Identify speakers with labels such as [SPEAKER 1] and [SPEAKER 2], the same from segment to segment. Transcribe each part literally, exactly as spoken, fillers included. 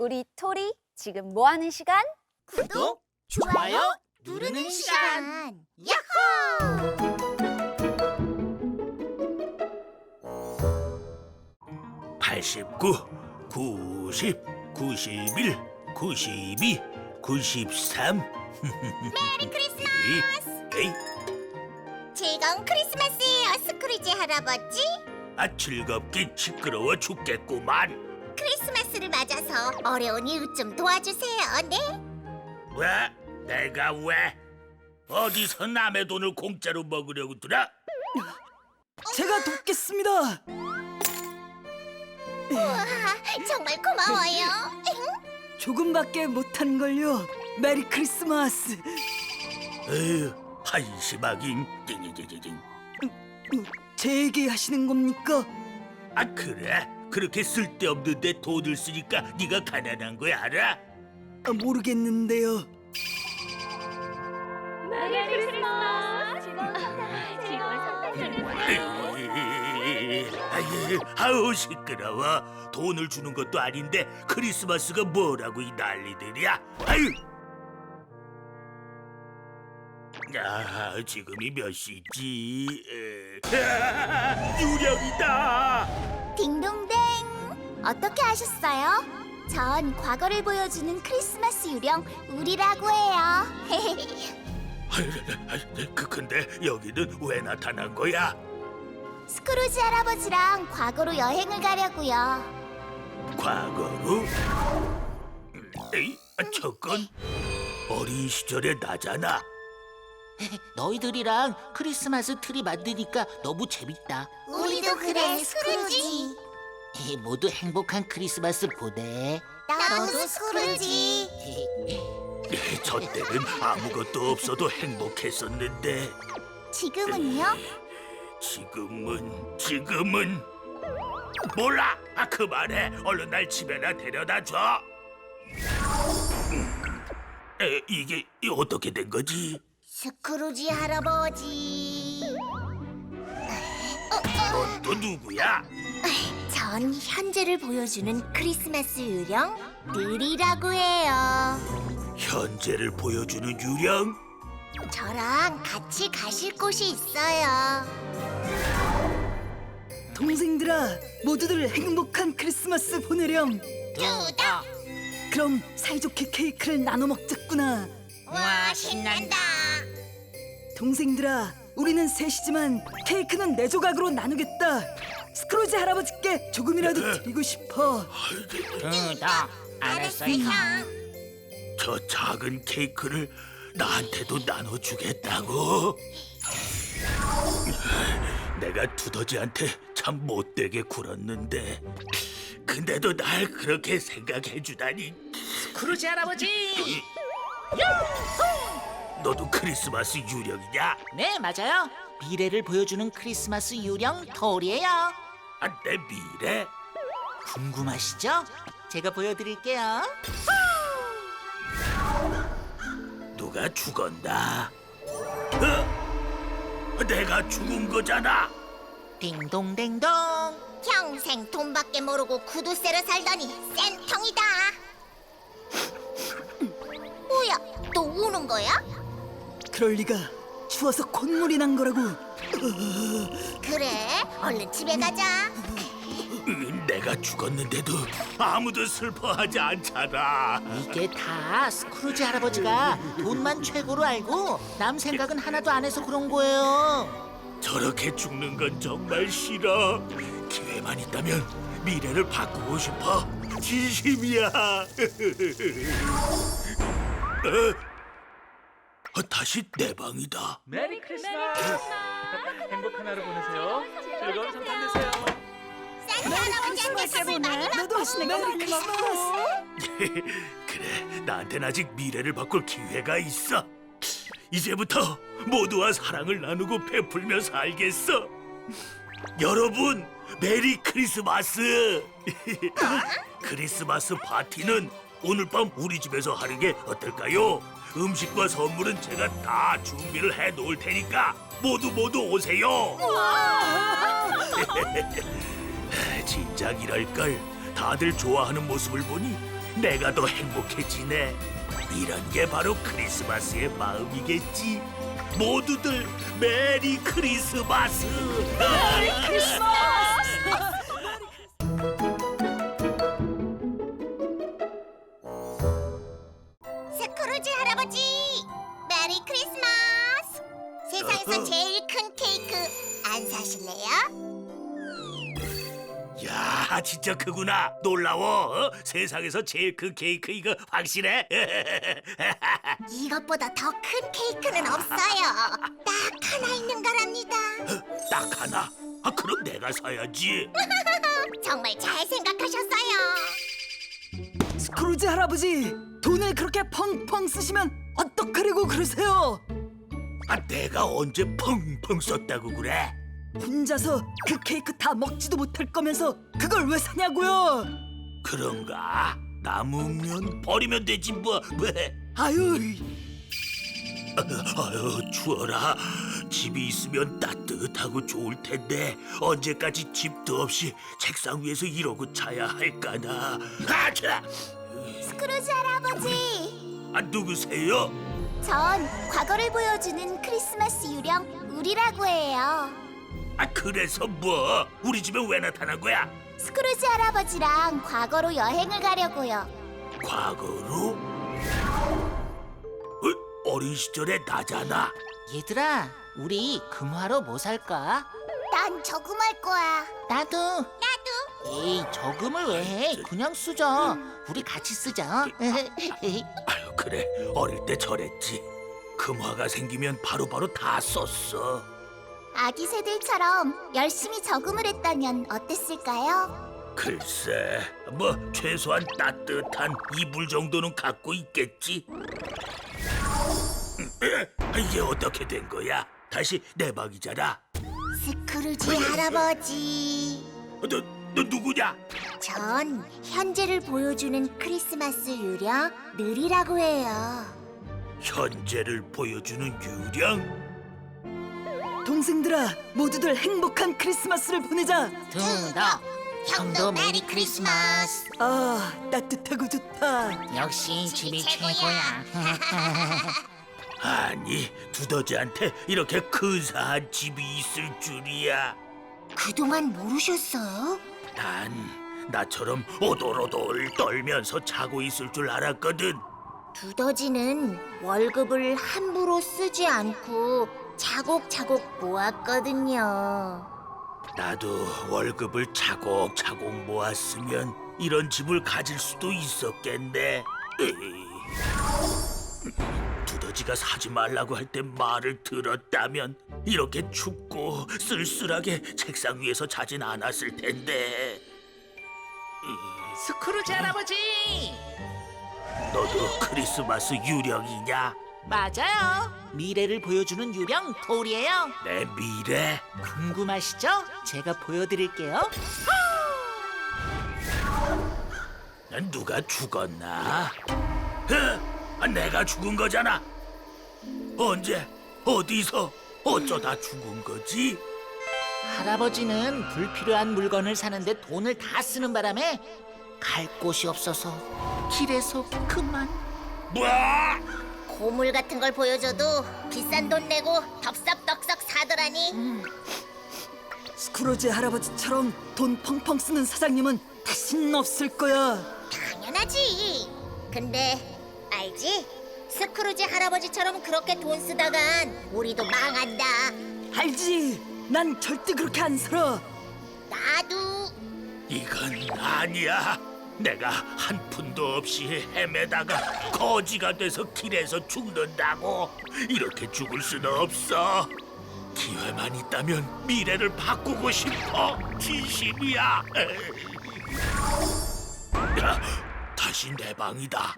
[SPEAKER 1] 우리 토리 지금 뭐 하는 시간?
[SPEAKER 2] 구독, 좋아요 누르는 시간. 야호!
[SPEAKER 3] 팔십구, 구십, 구십일, 구십이, 구십삼.
[SPEAKER 2] 메리 크리스마스!
[SPEAKER 3] 에이,
[SPEAKER 2] 즐거운 크리스마스예요, 스크루지 할아버지.
[SPEAKER 3] 아 즐겁긴 시끄러워 죽겠구만.
[SPEAKER 2] 크리스마스를 맞아서 어려운 이웃 좀 도와주세요, 네?
[SPEAKER 3] 왜? 내가 왜? 어디서 남의 돈을 공짜로 먹으려고 들어?
[SPEAKER 4] 제가 돕겠습니다.
[SPEAKER 2] 우와, 정말 고마워요.
[SPEAKER 4] 조금밖에 못한 걸요. 메리 크리스마스.
[SPEAKER 3] 에휴, 한심하긴. 띵띵띵띵.
[SPEAKER 4] 제 얘기 하시는 겁니까?
[SPEAKER 3] 아 그래? 그렇게 쓸데없는데 돈을 쓰니까 네가 가난한 거야 알아?
[SPEAKER 4] 아, 모르겠는데요.
[SPEAKER 1] 메리 크리스마스! 즐거운 성탄절
[SPEAKER 3] 아유, 아우 시끄러워. 돈을 주는 것도 아닌데 크리스마스가 뭐라고 이 난리들이야. 아유. 아, 지금이 몇 시지? 에, 아, 유령이다.
[SPEAKER 2] 딩동댕. 어떻게 하셨어요? 전 과거를 보여주는 크리스마스 유령 우리라고 해요.
[SPEAKER 3] 아유, 아유, 그 근데 여기는 왜 나타난 거야?
[SPEAKER 2] 스크루지 할아버지랑 과거로 여행을 가려고요.
[SPEAKER 3] 과거로? 음, 에이, 아, 저건 어린 시절의 나잖아.
[SPEAKER 5] 너희들이랑 크리스마스 트리 만드니까 너무 재밌다.
[SPEAKER 2] 우리도 그래, 스크루지.
[SPEAKER 5] 모두 행복한 크리스마스 보내.
[SPEAKER 2] 나도 스크루지.
[SPEAKER 3] 저 때는 아무것도 없어도 행복했었는데
[SPEAKER 2] 지금은요?
[SPEAKER 3] 지금은 지금은 몰라. 아 그만해. 얼른 날 집에나 데려다 줘. 음, 에, 이게 어떻게 된 거지?
[SPEAKER 2] 스크루지 할아버지.
[SPEAKER 3] 넌 또 누구야?
[SPEAKER 2] 전 현재를 보여주는 크리스마스 유령 느리라고 해요.
[SPEAKER 3] 현재를 보여주는 유령?
[SPEAKER 2] 저랑 같이 가실 곳이 있어요.
[SPEAKER 4] 동생들아, 모두들 행복한 크리스마스 보내렴.
[SPEAKER 2] 뚜덕!
[SPEAKER 4] 그럼 사이좋게 케이크를 나눠 먹자꾸나.
[SPEAKER 2] 와, 신난다.
[SPEAKER 4] 동생들아, 우리는 셋이지만 케이크는 네 조각으로 나누겠다. 스크루지 할아버지께 조금이라도 드리고 싶어.
[SPEAKER 5] 뚜덕, 알았어요.
[SPEAKER 3] 저 작은 케이크를 나한테도 나눠주겠다고? 내가 두더지한테 참 못되게 굴었는데 근데도 날 그렇게 생각해주다니.
[SPEAKER 5] 크루지 할아버지.
[SPEAKER 3] 너도 크리스마스 유령이냐?
[SPEAKER 5] 네, 맞아요. 미래를 보여주는 크리스마스 유령 토리예요.
[SPEAKER 3] 아, 내 미래?
[SPEAKER 5] 궁금하시죠? 제가 보여드릴게요.
[SPEAKER 3] 누가 죽었나? 어? 내가 죽은 거잖아.
[SPEAKER 5] 딩동댕동.
[SPEAKER 2] 평생 돈밖에 모르고 구두쇠로 살더니 쌤통이다. 뭐야, 또 우는 거야?
[SPEAKER 4] 그럴 리가. 추워서 콧물이 난 거라고.
[SPEAKER 2] 그래, 얼른 집에 가자.
[SPEAKER 3] 음, 내가 죽었는데도 아무도 슬퍼하지 않잖아.
[SPEAKER 5] 이게 다 스크루지 할아버지가 돈만 최고로 알고 남 생각은 하나도 안 해서 그런 거예요.
[SPEAKER 3] 저렇게 죽는 건 정말 싫어. 기회만 있다면 미래를 바꾸고 싶어. 진심이야. 어? 어, 다시 내 방이다.
[SPEAKER 6] 메리 크리스마스! 행복한 하루 보내세요. 즐거운 성탄 되세요.
[SPEAKER 2] 산타 할아버지한테 선물 많이 받고.
[SPEAKER 4] 너도 하시네. 메리 크리스마스.
[SPEAKER 3] 그래, 나한텐 아직 미래를 바꿀 기회가 있어. 이제부터 모두와 사랑을 나누고 베풀며 살겠어. 여러분, 메리 크리스마스! 크리스마스 파티는 오늘 밤 우리 집에서 하는 게 어떨까요? 음식과 선물은 제가 다 준비를 해 놓을 테니까 모두 모두 오세요. 진작 이럴걸. 다들 좋아하는 모습을 보니 내가 더 행복해지네. 이런 게 바로 크리스마스의 마음이겠지. 모두들 메리 크리스마스. 메리 크리스마스.
[SPEAKER 2] 스크루지 할아버지, 메리 크리스마스. 세상에서 제일 큰 케이크 안 사실래요?
[SPEAKER 3] 야, 진짜 크구나. 놀라워. 어? 세상에서 제일 큰 케이크 이거 확실해?
[SPEAKER 2] 이것보다 더 큰 케이크는 없어요. 딱 하나 있는 거랍니다.
[SPEAKER 3] 딱 하나? 아, 그럼 내가 사야지.
[SPEAKER 2] 정말 잘 생각하셨어요.
[SPEAKER 4] 스크루지 할아버지, 돈을 그렇게 펑펑 쓰시면 어떡하려고 그러세요?
[SPEAKER 3] 아, 내가 언제 펑펑 썼다고 그래?
[SPEAKER 4] 혼자서 그 케이크 다 먹지도 못할 거면서 그걸 왜 사냐고요?
[SPEAKER 3] 그런가? 남으면 버리면 되지 뭐. 왜?
[SPEAKER 4] 아유,
[SPEAKER 3] 아유, 추워라. 집이 있으면 따뜻하고 좋을 텐데 언제까지 집도 없이 책상 위에서 이러고 자야 할까나. 아, 자.
[SPEAKER 2] 스크루지 할아버지,
[SPEAKER 3] 아, 누구세요?
[SPEAKER 2] 전 과거를 보여주는 크리스마스 유령 우리라고 해요.
[SPEAKER 3] 아, 그래서 뭐? 우리 집에 왜 나타난 거야?
[SPEAKER 2] 스크루지 할아버지랑 과거로 여행을 가려고요.
[SPEAKER 3] 과거로? 어, 어린 시절의 나잖아.
[SPEAKER 5] 얘들아, 우리 금화로 뭐 살까?
[SPEAKER 2] 난 저금할 거야.
[SPEAKER 5] 나도.
[SPEAKER 2] 나도.
[SPEAKER 5] 에이, 저금을 왜 해? 그냥 쓰자. 우리 같이 쓰자.
[SPEAKER 3] 아유, 그래. 어릴 때 저랬지. 금화가 생기면 바로바로 다 썼어.
[SPEAKER 2] 아기 새들처럼 열심히 저금을 했다면 어땠을까요?
[SPEAKER 3] 글쎄, 뭐 최소한 따뜻한 이불 정도는 갖고 있겠지. 이게 어떻게 된 거야? 다시 내 방이잖아.
[SPEAKER 2] 스크루지 할아버지,
[SPEAKER 3] 너, 너 누구냐?
[SPEAKER 2] 전 현재를 보여주는 크리스마스 유령 늘이라고 해요.
[SPEAKER 3] 현재를 보여주는 유령?
[SPEAKER 4] 동생들아, 모두들 행복한 크리스마스를 보내자.
[SPEAKER 5] 두덕, 형도 메리 크리스마스.
[SPEAKER 4] 아, 따뜻하고 좋다.
[SPEAKER 5] 역시 집이
[SPEAKER 2] 최고야.
[SPEAKER 5] 최고야.
[SPEAKER 3] 아니, 두더지한테 이렇게 근사한 집이 있을 줄이야.
[SPEAKER 2] 그동안 모르셨어요?
[SPEAKER 3] 난 나처럼 오돌오돌 떨면서 자고 있을 줄 알았거든.
[SPEAKER 2] 두더지는 월급을 함부로 쓰지 않고 차곡차곡 모았거든요.
[SPEAKER 3] 나도 월급을 차곡차곡 모았으면 이런 집을 가질 수도 있었겠네. 으이. 두더지가 사지 말라고 할 때 말을 들었다면 이렇게 춥고 쓸쓸하게 책상 위에서 자진 않았을 텐데.
[SPEAKER 5] 스크루지 할아버지.
[SPEAKER 3] 너도 크리스마스 유령이냐?
[SPEAKER 5] 맞아요. 미래를 보여주는 유령 돌이에요.
[SPEAKER 3] 내 미래?
[SPEAKER 5] 궁금하시죠? 제가 보여드릴게요.
[SPEAKER 3] 난 누가 죽었나? 어? 아, 내가 죽은 거잖아. 언제? 어디서? 어쩌다 죽은 거지?
[SPEAKER 5] 할아버지는 불필요한 물건을 사는데 돈을 다 쓰는 바람에 갈 곳이 없어서 길에서 그만.
[SPEAKER 3] 뭐?
[SPEAKER 2] 고물 같은 걸 보여줘도 비싼 돈 내고 덥석덥석 사더라니.
[SPEAKER 4] 스크루지 할아버지처럼 돈 펑펑 쓰는 사장님은 다신 없을 거야.
[SPEAKER 2] 당연하지. 근데 알지? 스크루지 할아버지처럼 그렇게 돈 쓰다간 우리도 망한다.
[SPEAKER 4] 알지? 난 절대 그렇게 안 살아.
[SPEAKER 2] 나도.
[SPEAKER 3] 이건 아니야. 내가 한 푼도 없이 헤매다가 거지가 돼서 길에서 죽는다고. 이렇게 죽을 수는 없어. 기회만 있다면 미래를 바꾸고 싶어. 진심이야. 야, 다시 내 방이다.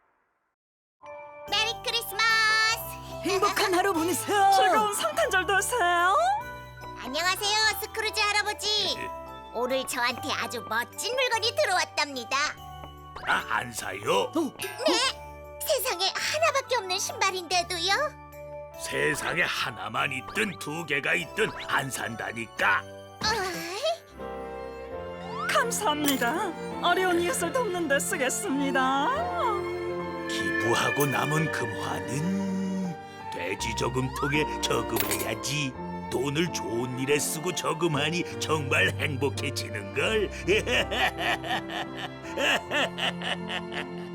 [SPEAKER 2] 메리 크리스마스.
[SPEAKER 4] 행복한 하루 보내세요. 즐거운 성탄절 되세요.
[SPEAKER 2] 안녕하세요, 스크루지 할아버지. 오늘 저한테 아주 멋진 물건이 들어왔답니다.
[SPEAKER 3] 아, 안 사요?
[SPEAKER 2] 네? 세상에 하나밖에 없는 신발인데도요?
[SPEAKER 3] 세상에 하나만 있든 두 개가 있든 안 산다니까.
[SPEAKER 2] 어이,
[SPEAKER 4] 감사합니다. 어려운 이웃을 돕는 데 쓰겠습니다.
[SPEAKER 3] 기부하고 남은 금화는 돼지 저금통에 저금해야지. 돈을 좋은 일에 쓰고 저금하니 정말 행복해지는 걸.